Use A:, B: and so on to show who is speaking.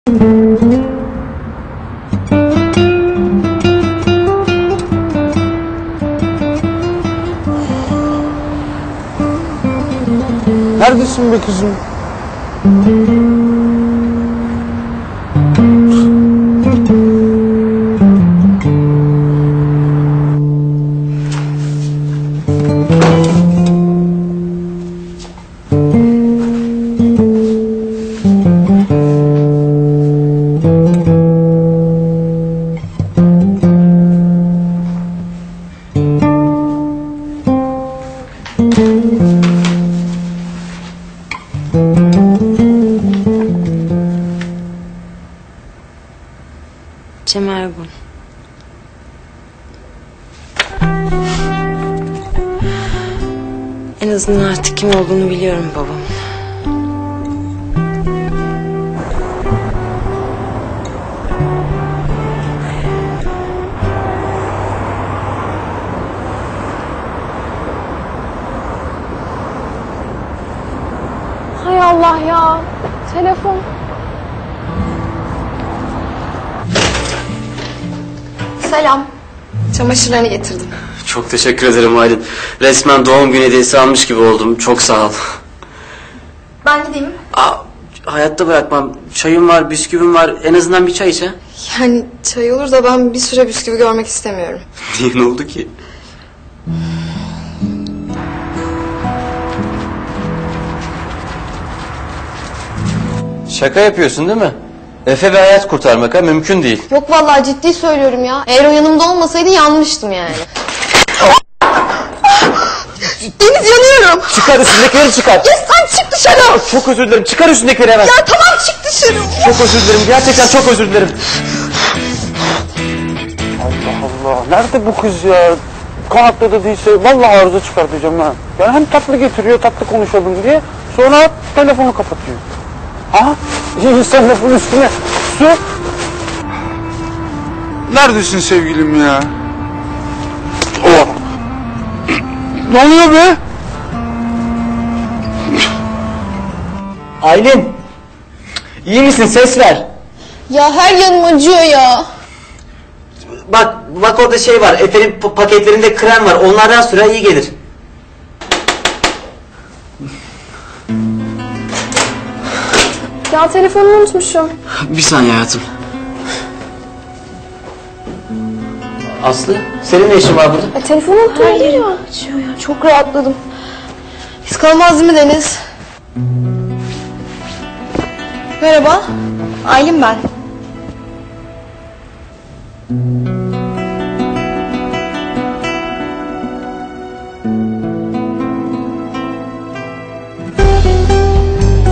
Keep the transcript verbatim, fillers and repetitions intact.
A: Neredesin be kızım?
B: Cem Ergun. En azından artık kim olduğunu biliyorum babam.
C: Hay Allah ya. Telefon. Selam. Çamaşırlarını getirdim.
D: Çok teşekkür ederim Aylin. Resmen doğum günü hediyesi almış gibi oldum. Çok sağ ol.
C: Ben gideyim.
D: Aa, hayatta bırakmam. Çayım var, bisküvim var. En azından bir çay iç ha.
C: Yani çay olur da ben bir süre bisküvi görmek istemiyorum.
D: Niye, ne oldu ki? Şaka yapıyorsun değil mi? Efe ve hayat kurtarmak ha, mümkün değil.
C: Yok vallahi ciddi söylüyorum ya. Eğer o yanımda olmasaydı yanmıştım yani. Deniz, yanıyorum.
D: Çıkar üstündekileri çıkar.
C: Ya sen çık dışarı.
D: Çok özür dilerim. Çıkar üstündekileri hemen.
C: Ya tamam, çık dışarı.
D: Çok özür dilerim. Gerçekten çok özür dilerim.
A: Allah Allah. Nerede bu kız ya? Konakta da değilse vallahi arıza çıkartacağım ha. Yani hem tatlı getiriyor, tatlı konuşalım diye. Sonra telefonu kapatıyor. Ha? Sen lafın üstüne su. Neredesin sevgilim ya? Oh. Ne oluyor be?
D: Aylin. İyi misin? Ses ver.
C: Ya her yanım acıyor ya.
D: Bak, bak orada şey var. Efe'nin paketlerinde krem var. Onlardan sürer, iyi gelir.
C: Ya telefonumu unutmuşum.
D: Bir saniye hayatım. Aslı, senin ne işin var burada?
C: Ya telefonu unuttum ya. Acıyor ya. Çok rahatladım. Biz kalmaz değil mi Deniz? Merhaba. Aylin ben.